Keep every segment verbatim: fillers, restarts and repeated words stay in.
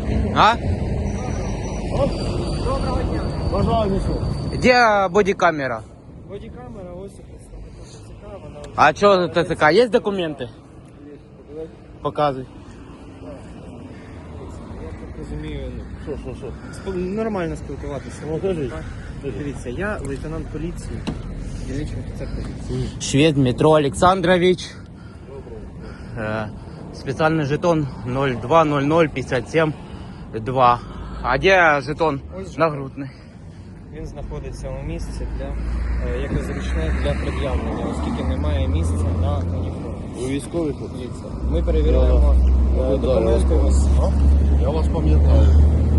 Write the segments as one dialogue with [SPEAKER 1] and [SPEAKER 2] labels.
[SPEAKER 1] А?
[SPEAKER 2] Доброго дня.
[SPEAKER 3] Бажаю несу.
[SPEAKER 1] Где бодикамера?
[SPEAKER 2] Бодікамера, ось представника ТЦК, вона вже...
[SPEAKER 1] А что за ТЦК? Есть документы? Показывай.
[SPEAKER 2] Я так розумію, ну,
[SPEAKER 3] Що, що, що?
[SPEAKER 2] спо- нормально спілкуватися.
[SPEAKER 3] Ну, кажіть.
[SPEAKER 2] Дивіться, я лейтенант поліції, дільничний офіцер поліції.
[SPEAKER 1] Швед Дмитро Александрович. Э, Специальный жетон ноль два ноль ноль пятьдесят семь два. А где жетон
[SPEAKER 2] Ось
[SPEAKER 1] нагрудный?
[SPEAKER 2] Він знаходиться у місці для, е, яке зручне для пред'явлення, оскільки немає місця на уніформі.
[SPEAKER 3] Ви військовий хлопці?
[SPEAKER 2] Дивіться, ми перевіряємо е,
[SPEAKER 3] Ну, да, я
[SPEAKER 2] документи.
[SPEAKER 3] вас-
[SPEAKER 2] ось.
[SPEAKER 3] Я вас пам'ятаю.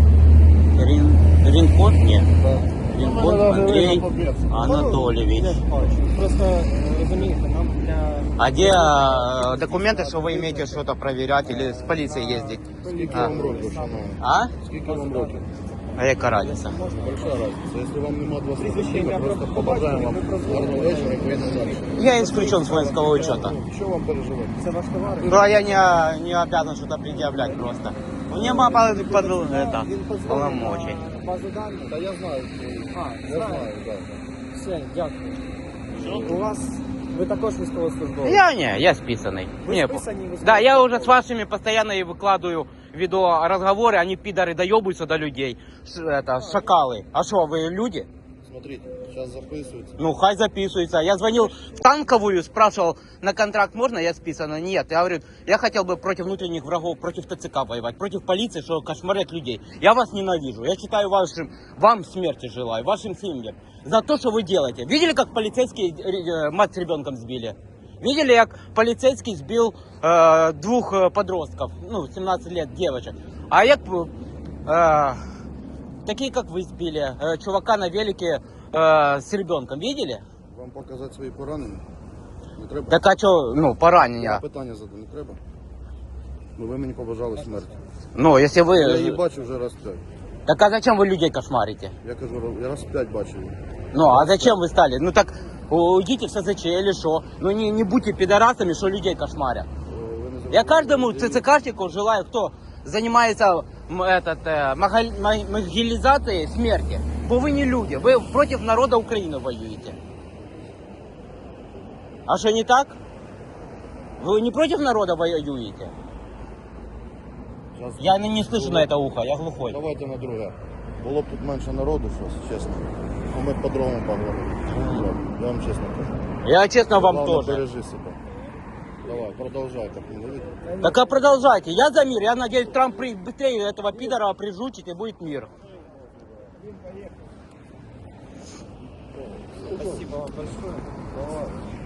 [SPEAKER 1] Рин... Ринкот? Нет.
[SPEAKER 2] Так.
[SPEAKER 1] Ринкот
[SPEAKER 3] Мене навіть
[SPEAKER 1] Андрей
[SPEAKER 3] видно по перцю.
[SPEAKER 1] Анатольевич.
[SPEAKER 2] Я бачу. Просто е, розумієте, нам для...
[SPEAKER 1] А где э, документы, что вы имеете что-то проверять или с полицией ездить?
[SPEAKER 3] Скільки
[SPEAKER 1] А.
[SPEAKER 3] вам років, шановні?
[SPEAKER 1] А?
[SPEAKER 3] Скільки вам років?
[SPEAKER 1] А яка разница?
[SPEAKER 3] Большая разниця. Якщо вам нема два
[SPEAKER 2] Прізвище, ім'я,
[SPEAKER 3] просто
[SPEAKER 2] просто
[SPEAKER 3] побажаємо вам
[SPEAKER 2] побачення, ви
[SPEAKER 3] гарного вечора і поїдемо далі.
[SPEAKER 1] Я исключен с воинского учета.
[SPEAKER 3] Що вам переживати?
[SPEAKER 2] Це ваш товар?
[SPEAKER 1] Ну, а я не, не обязан что-то предъявлять просто. Мне мама под, это, полномочий.
[SPEAKER 2] Базу даних?
[SPEAKER 3] Та я знаю.
[SPEAKER 2] А,
[SPEAKER 3] Я знаю, так.
[SPEAKER 2] Все, дякую. У вас, ви також військовослужбовець?
[SPEAKER 1] Я не, я списанный.
[SPEAKER 2] Вы
[SPEAKER 1] Не,
[SPEAKER 2] списанный, вы
[SPEAKER 1] да, я уже с вашими постоянно и выкладываю видеоразговоры, они пидоры доебываются до людей. Ш- это, шакалы. А что, вы люди?
[SPEAKER 3] Смотрите, зараз записується.
[SPEAKER 1] Ну, хай записывается. Я звонил в танковую, спрашивал, на контракт можно, я списана? Нет. Я говорю, я хотел бы против внутренних врагов, против ТЦК воевать, против полиции, что кошмарят людей. Я вас ненавижу. Я считаю вашим, вам смерти желаю, вашим семьям. За то, что вы делаете. Видели, как полицейские э, мать с ребенком сбили? Видели, как полицейский сбил э, двух э, подростков, ну, семнадцать лет, девочек. А як э, такие, как вы сбили, э, чувака на велике э, с ребенком, видели?
[SPEAKER 3] Вам показати свої поранення? Не треба?
[SPEAKER 1] Так а что, ну,
[SPEAKER 3] Я
[SPEAKER 1] поранення?
[SPEAKER 3] питання задаю, не треба? Ну ви мені побажали смерті.
[SPEAKER 1] Ну, если вы...
[SPEAKER 3] Я її бачу вже раз п'ять.
[SPEAKER 1] Так а зачем вы людей кошмарите?
[SPEAKER 3] Я кажу, я раз п'ять бачив її.
[SPEAKER 1] Ну, а зачем вы стали? Ну, так уйдите в СЗЧ или что? Ну, не, не будьте пидорасами, что людей кошмарят.
[SPEAKER 3] Е, ви не
[SPEAKER 1] Я
[SPEAKER 3] зрозуміли.
[SPEAKER 1] каждому
[SPEAKER 3] Людина-
[SPEAKER 1] ЦЦКшнику желаю, кто занимается м, этот, э, магаль- ма- могилизацией смерти. Бо вы не люди, вы против народа Украины воюете. А что не так? Вы не против народа воюете?
[SPEAKER 3] Зараз-
[SPEAKER 1] Я не, не слышу на это ухо, я глухой.
[SPEAKER 3] Давайте на друге. Було б тут менше народу, щось, чесно. А ми по-другому поговоримо. Я вам чесно кажу.
[SPEAKER 1] Я честно вам
[SPEAKER 3] Главное,
[SPEAKER 1] тоже.
[SPEAKER 3] бережи себе. Давай, продолжай, как не видно.
[SPEAKER 1] Так а продолжайте. Я за мир. Я надеюсь, Трамп при- быстрее этого пидора прижучит и будет мир.
[SPEAKER 2] Спасибо вам большое.
[SPEAKER 3] Давай.